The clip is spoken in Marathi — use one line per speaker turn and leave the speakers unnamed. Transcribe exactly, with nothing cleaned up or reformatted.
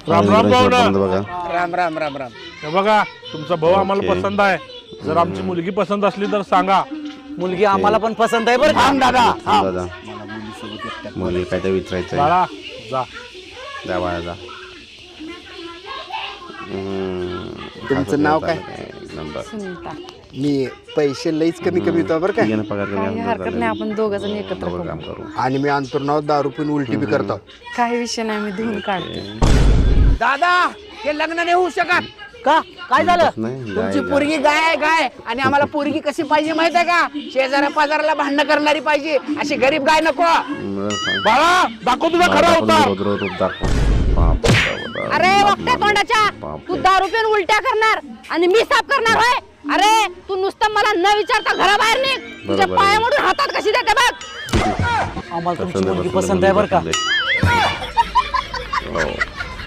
राम राम भाऊ ना.
बघा
राम राम राम राम.
हे बघा तुमचा भाऊ आम्हाला
ओके.
पसंत आहे. जर आमची मुलगी पसंत असली तर सांगा.
मुलगी आम्हाला पण पसंत आहे बरं का दादा.
दादा मुली काय ते विचारायचं
बाळा जा.
द्या बाळा जा. हम्म.
तुमचं नाव काय?
एक नंबर.
सुनीता.
मी पैसे लईच कमी कमी होतो बरं
ठीक आहे
का
ना, पगार कमी
काही
आला
हरकत
तर
नाही, आपण दोघं जण एकत्र
दोघं
करू.
काम करू.
आणि मी अंतर्नाव दारू पिऊन उलटी बी करतो.
काही विषय नाही, मी धुवून काढते.
दादा हे लग्न नाही होऊ शकत का काय झालं
नाही,
तुमची
गाय-
पोरगी गाय आहे गाय आणि आम्हाला पोरगी कशी पाहिजे माहित आहे का शेजाऱ्या पाजाराला भांडणं करणारी पाहिजे अशी गरीब गाय नको
बरं, सांग.
बाळा दाखव तुझा खरा
दाखव,
होता.
रौद्र रूप दाखव. बाप रे बाप.
अरे वक्त्या तोंडाच्या
बाप
तू
रे.
दारू पिऊन उलट्या करणार आणि मी साफ करणार होय. अरे तू नुसतं मला न विचारता घराबाहेर निघ. तुझ्या
बरोबर आहे.
पायामधून हातात कशी देते बघ.
आम्हाला तुमची
पसंत आहे,
मुलगी
पसंत
पसंत आहे बरं का
आहे. हो.